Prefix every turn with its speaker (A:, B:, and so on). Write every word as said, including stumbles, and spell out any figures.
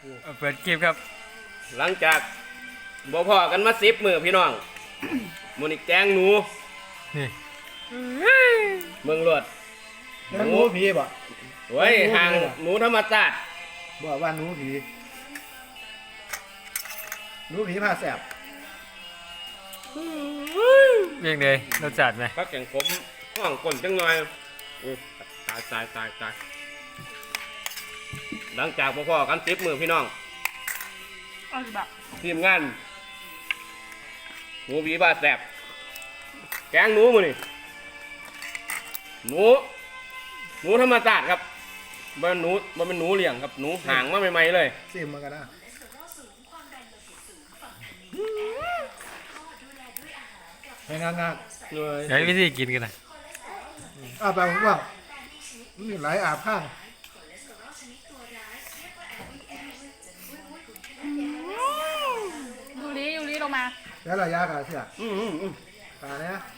A: เปิดคลิปครับ
B: หลังจากบ่พอกันมาสิบมือพี่น้องมูนิกแกงหนู
A: นี่
B: เมืองรวด
C: หนูผีบ่
B: โอ้ยห่างหนูธรรมชาติ
C: บ่ว่าหนูผีหนูผีพาแสบ
A: เรียงเลยรสจัดไหม
B: พักแข่งผมห้องก่นจังหน่อยตายตายตายตายหลังจากบ่พอกันสิบมือพี่น้องทีมงานหนูผีบ้าแสบแกงหนูมือนี่หนูหนูธรรมชาติครับมันหนูมันเป็นหนูเลี้ยงครับหนูห่างมาใหม่ๆเลย
C: ซิมมากันนะให้งางๆ
B: เลย
A: ใช้วิธีกินกันนะ
C: อาไปผมว่ามีหลายอาบข้าง
D: ยูริยูริลงมา
C: แล้วระยะกันเสีย
B: อืมอืมอืม
C: ตาเนี้ย